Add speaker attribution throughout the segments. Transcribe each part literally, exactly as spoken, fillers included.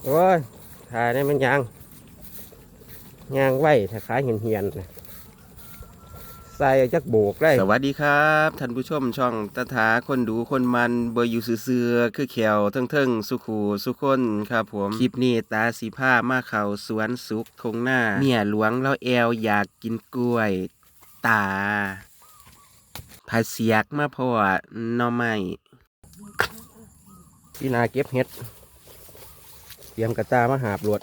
Speaker 1: โอ้ยถ่ายได้มันยางยางไหวถ้าขายเหียนเหียนใส่จักโบกได้สวัสดีครับท่านผู้ชมช่องตาถาคนดูคนมันเบอร์อยู่เสือคือแขวเทิงๆสุขูสุคนครับผมคลิปนี้ตาสีผ้ามาเขาสวนสุกทงหน้าเมียหลวงแล้วแอวอยากกินกล้วยตาผาเสียกมาพอหน่อไม้พี่นาเก็บเห็ดเตรียมกระตามาหาบรวด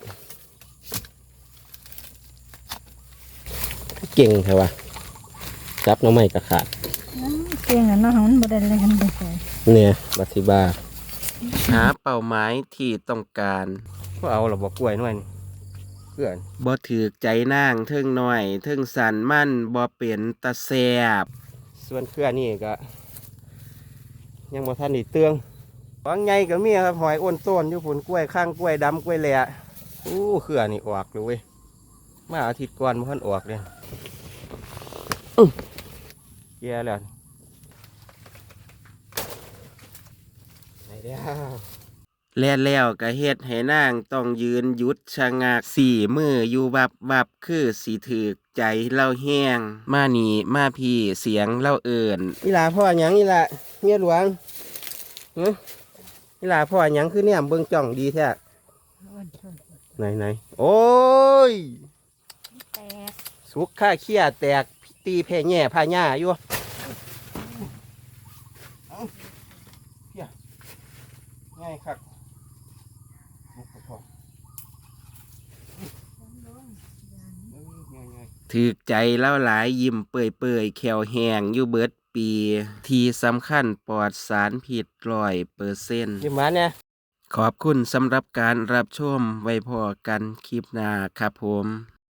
Speaker 1: เก่งใช่ปะจับหน้องไม้กระขาด
Speaker 2: เก่งอ่ะเนาะมันบ่ได้เลยกันเลย
Speaker 1: เนี่ยบัติบาหาเป้าหมายที่ต้องการก็เอาหรอบอกกล้วยหน่อยเพื่อนบ่ถือใจนางเทิงหน่อยเทิงสันมั่นบ่เป็นตะแสบส่วนเครือนี่ก็ยังบ่ทันได้เตืองบางไงก็มีครับหอยอ้นต้นอยู่ผลกล้วยข้างกล้วยดำกล้วยแหล่อู้เครือนี่ออกเลยเว้ยมาอาทิตย์ก่อนบ่ทันออกเลยแย่แล้วไหนเด้อแล้วแล้วก็เฮ็ดให้นางต้องยืนหยุดชะงักสี่มืออยู่วับวับคือสีถือใจเล่าแห้งมานี่มาพี่เสียงเล่าเอิญนี่ล่ะพ่อหยังนี่ล่ะเมียหลวงเฮ้ยนี่ล่ะพ่อหยังคือเนี่ยเบิ่งจ่องดีแท้ไหนไหนโอ้ย
Speaker 2: แตก
Speaker 1: สุกข้าเขี้ยแตกตีแพ่แง่พาญ่าอยู่ง่ายครับถือใจเล่าหลายยิ้มเปื่อยเปื่อยแขวแหงอยู่เบิดปี ที่สำคัญปลอดสารพิษร้อยเปอร์เซ็นต์ยิ้มมาเนี่ยขอบคุณสำหรับการรับชมไว้พอกันคลิปหน้าครับผม